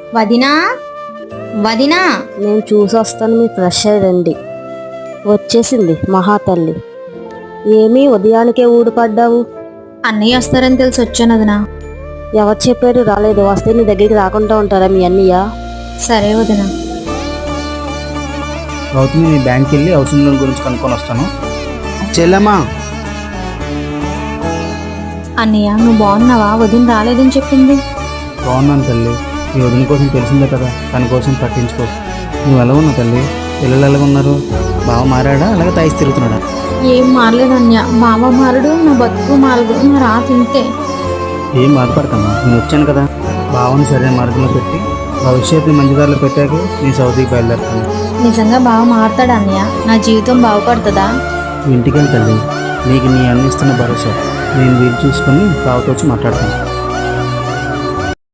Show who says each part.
Speaker 1: వదినా వదినా.
Speaker 2: నేను చూసొస్తాను, మీ ఫ్రెష్ అయ్యండి. వచ్చేసింది మహాతల్లి. ఏమీ ఉదయానికే ఊడిపడ్డావు?
Speaker 1: అన్నయ్య వస్తారని తెలిసి వచ్చాను వదినా.
Speaker 2: ఎవరు చెప్పారు రాలేదు? వస్తే నీ దగ్గరికి రాకుండా ఉంటారా మీ అన్నయ్య?
Speaker 1: సరే వదినా.
Speaker 3: అవుతుంది, నేను బ్యాంక్కి వెళ్ళి హౌసింగ్ లోన్ గురించి కనుక్కొని వస్తాను. చెల్లమ్మా,
Speaker 1: అన్నయ్య నువ్వు బాగున్నావా? వదిన రాలేదని చెప్పింది.
Speaker 3: బాగున్నాను తల్లి. నీ వదిన కోసం తెలిసిందే కదా, తన కోసం పట్టించుకో. నువ్వు ఎలా ఉన్నావు తల్లి? పిల్లలు ఎలాగ ఉన్నారు? బావ మారాడా అలాగే తాయిసి తిరుగుతున్నాడా?
Speaker 1: ఏం మారలేదు అన్నయ్య. బావ మారడు, నా బతుకు మారదు, నా రాత ఇంతే.
Speaker 3: ఏం బాధపడతామా, నేను వచ్చాను కదా. బావని సరైన మార్గంలో పెట్టి భవిష్యత్తు మంచిదారిలో పెట్టాక నీ సౌదీకి బయలుదేరుతాను.
Speaker 1: నిజంగా బావ మారతాడా అన్నయ్య? నా జీవితం బాగుపడుతుందా?
Speaker 3: ఇంటికి వెళ్ళి తల్లి, నీకు నీ అన్న ఇస్తున్న భరోసా. నేను వీలు చూసుకొని బావతో వచ్చి మాట్లాడతాను.